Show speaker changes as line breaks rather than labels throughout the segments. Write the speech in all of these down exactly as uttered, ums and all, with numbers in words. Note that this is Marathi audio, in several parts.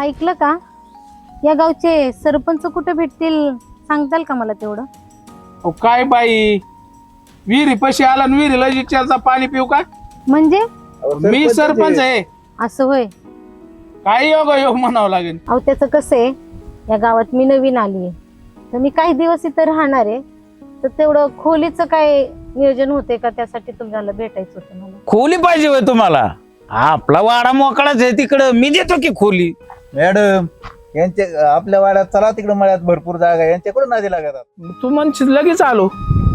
ऐकलं का? या गावचे सरपंच कुठे भेटतील सांगताल का मला तेवढं?
अहो काय बाई, विहिरी पशी आला आणि विहिरीला विचारचा पाणी पिऊ का?
म्हणजे
मी सरपंच आहे.
असं होय?
काय योग योग म्हणावं लागेल.
अहो त्याचं कसं आहे, या गावात मी नवीन आली आहे, तर मी काही दिवस इथं राहणार आहे, तर तेवढं खोलीचं काय नियोजन होते का? त्यासाठी तुम्हाला भेटायचं होतं मला.
खोली पाहिजे होय तुम्हाला? आपला वाडा मोकळाच आहे तिकडं, मी देतो की खोली.
मॅडम यांच्या आपल्या वाड्यात चला तिकडे मळ्यात भरपूर जागा आहे, यांच्याकडून नादी लागतात.
तू म्हणशील लगेच आलो.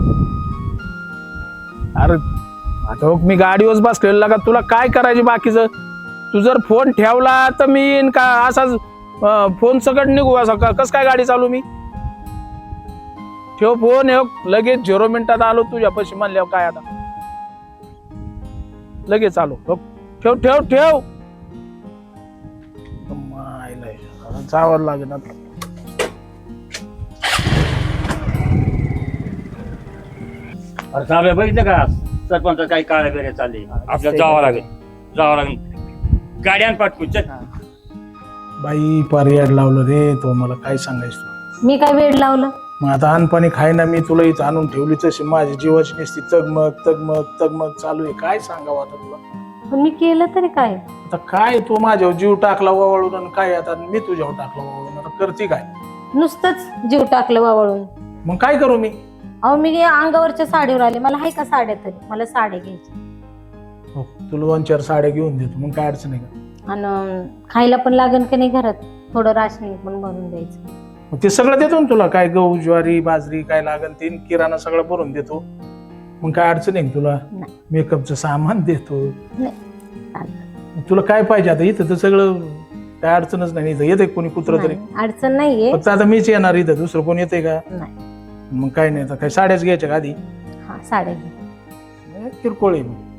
अरे आता बघ, मी गाडीवर बसलेला का, तुला काय करायचे बाकीचं? तू जर फोन ठेवला तर मी येईन का? असाच फोन सकट निघू असा का? कस काय गाडी चालू मी? ठेव फोन, लगेच झिरो मिनिटात आलो तुझ्या पैसे म्हणल्यावर. काय आता लगेच आलो. बघ ठेव ठेव ठेव. जावं लागेल आता.
अरे साहेब बघितलं का सरपंच काही काळ्या बेऱ्या चालले, आपल्याला जावं लागेल जावं लागेल गाड्यान पाठवून चल.
बाई पर्याय लावलं रे तो, मला काय सांगायचं.
मी काय वेळ लावलं?
मग आता अनपाणी खाय ना, मी तुला इथं आणून ठेवली तशी माझी जीवाची नुसती तगमग तगमग तगमग चालू आहे. काय सांगावं आता तुला?
पण मी केलं तरी काय?
आता काय तू माझ्यावर जीव टाकला वावळून आणि काय आता मी तुझ्यावर टाकला वावळून, आता करते काय?
नुसतंच जीव टाकलं वावळून.
मग काय करू मी?
अहो मी अंगावरच्या साडीवर आले, मला आहे का साड्या? तरी मला साड्या घ्यायच्या.
हो, तुला दोन चार साड्या घेऊन देतो, मग काय अडचण आहे का?
आणि खायला पण लागन का नाही घरात, थोडं राशनिंग पण भरून द्यायचं.
मग ते सगळं देतो ना तुला, काय गहू ज्वारी बाजरी काय लागन ते किराणा सगळं भरून देतो. मग काय अडचण आहे तुला?
नाही.
मेकअपचं सामान देतो.
नाही चालतं.
तुला काय पाहिजे आता? इथं तर सगळं काय अडचणच नाही. इथं येते कोणी कुत्र तरी?
नाही, अडचण नाहीये.
फक्त आता मीच येणार इथं, दुसरं कोण येते का?
नाही.
मग काय नाही, आता काय साड्याच घ्यायच्या का आधी?
हा साड्या घे.
किरकोळ आहे. मग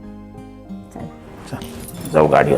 चल
जाऊ गाडीवर.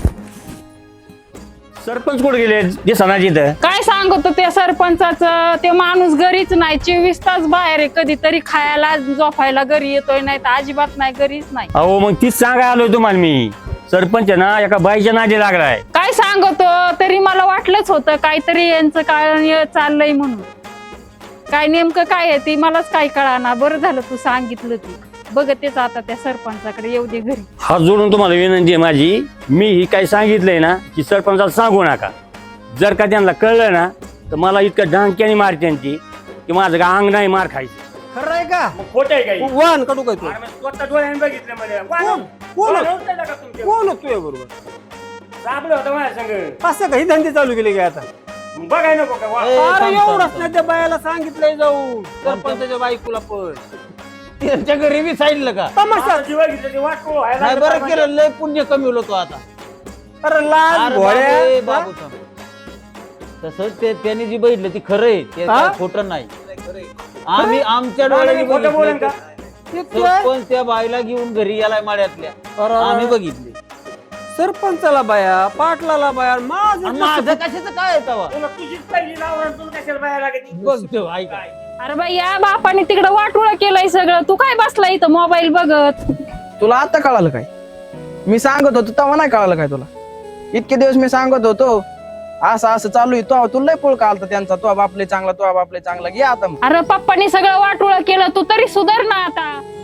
सरपंच कुठे गेले दिसना तिथं?
काय सांगतो त्या सरपंचाचं? ते माणूस घरीच नाही, चोवीस तास बाहेर आहे. कधीतरी खायला झोपायला घरी येतोय, नाही तर अजिबात नाही, घरीच नाही.
अहो मग तीच सांगाय आलोय तुम्हाला मी. सरपंच ना एका बाईच्या नादी लागलाय.
काय सांगतो? तरी मला वाटलंच होतं काहीतरी यांचं काय चाललंय म्हणून. काय नेमकं काय आहे ती मलाच काय कळाना. बरं झालं तू सांगितलं. ती बघतेच आता त्या सरपंचाकडे, येऊ दे घरी.
हात जोडून तुम्हाला विनंती आहे माझी, मी ही काय सांगितलंय ना की सरपंचाला सांगू नका. जर का त्यांना कळलं ना तर मला इतकं ढांक्याने मारते ती की माझं का अंग नाही मार खायचं.
खरं आहे का?
खोट आहे काही?
वाहन काढू काय तू?
स्वतः डोळ्याने बघितलं मला.
कोण कोण होतोय बरोबर?
सापलं होतं माझ्या संग.
असं काही धंदे चालू केले काय आता?
बघाय नको का? वा.
अरे एवढंच नाही, त्या बायाला सांगितलंय जाऊ सरपंचाच्या बायकोला पण
त्यांच्या घरी बी सांगितलं का?
तमाशा.
जी बघितलं ते वाटको व्हायला
नाही
लागलं
बरं
पाहिजे.
केलं, लय पुण्य कमी होलो तो आता.
अरे लाल
अरे बाबू, ए
भोळ्या.
बाबू थांब. तसंच ते त्यांनी जी बघितलं ती खरं आहे, ते
हा?
काय खोटं नाही. आम्ही आमच्या डोळ्याने
खोटं बोलेन
बघितलं.
का?
ते काय?
सरपंच त्या बाईला घेऊन घरी यालाय माड्यातल्या,
अरे,
आम्ही बघितले.
सरपंचाला बाया, पाटलाला बाया, माझं
आणि माझं कशाचं काय आहे तेव्हा?
तुला तुझीच पहिली लावण, तुला कशाला बाहेर लागत?
बघतो ऐका.
अरे बाई या बापाने तिकडं वाटोळ केलंय सगळं. तू काय बसला इथं मोबाईल बघत?
तुला आता कळालं काय? मी सांगत होतो तेव्हा नाही कळालं काय तुला? इतके दिवस मी सांगत होतो असं असं चालू आहे, तो तुला पोळ का आलता त्यांचा, तो बापले चांगला, तो बापले चांगला, घे आता.
अरे पप्पानी सगळं वाटोळ केलं, तू तरी सुधार ना आता.